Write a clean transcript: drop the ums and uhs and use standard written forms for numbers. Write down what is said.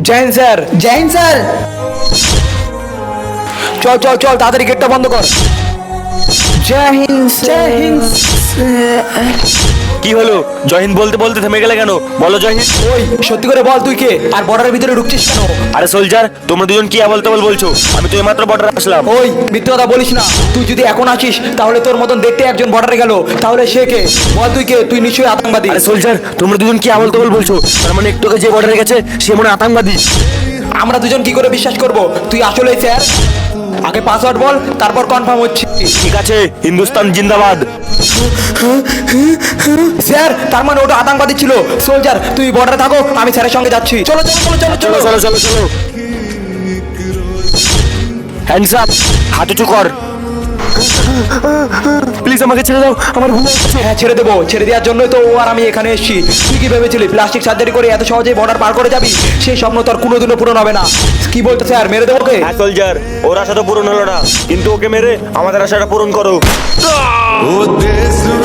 জয় Hind sir. Jai Hind sir. চল চল চল তাড়াতাড়ি গেটটা বন্ধ কর। জয় হিন্দ জয় হিন্দ। কি হলো? জয় হিন্দ বলতে বলতে থেমে গেলে কেন? বলো জয় হিন্দ। ওই সত্যি করে বল তুই কে, আর বর্ডারের ভিতরে ঢুকছিস কেন? আরে সোলজার, তোমরা দুজন কি বলতে বলছো? আমি তো এইমাত্র বর্ডারে আসলাম। ওই মিথ্যে কথা বলিস না। তুই যদি এখন আসিস তাহলে তোর মতন দেখতে একজন বর্ডারে গেল, তাহলে সে কে? বল তুই কে? তুই নিশ্চয়ই আতঙ্কবাদী। আরে সোলজার, তোমরা দুজন কি বলতে বলছো? তার মানে একটু আগে যে বর্ডারে গেছে সে মনে হয় আতঙ্কবাদী। আমরা দুজন কি করে বিশ্বাস করব তুই আসলেই স্যার? আগে পাসওয়ার্ড বল, তারপর কনফার্ম হচ্ছে। ঠিক আছে, হিন্দুস্তান জিন্দাবাদ। স্যার তার মানে ওটা আতঙ্কবাদী ছিল। সোলজার তুই বর্ডারে থাকো, আমি স্যারের সঙ্গে যাচ্ছি। চলো চলো চলো চলো চলো চলো। চলো চলো চলো। হ্যান্ডস আপ, হাত উঁচু কর। প্লিজ আমাকে ছেড়ে দাও, আমার ভুল হয়ে গেছে। হ্যাঁ ছেড়ে দেবো, ছেড়ে দেওয়ার জন্যই তো ও আর আমি এখানে এসেছি। তুই কি ভেবেছিলি প্লাস্টিক সার্জারি করে এত সহজেই বর্ডার পার করে যাবি? সেই স্বপ্ন তোর কোনোদিনও পূরণ হবে না। কি বলতে স্যার, মেরে দেবো ওকে? হ্যাঁ সোলজার, ওর আশা তো পূরণ হলো না, কিন্তু ওকে মেরে আমাদের আশাটা পূরণ করো। O deso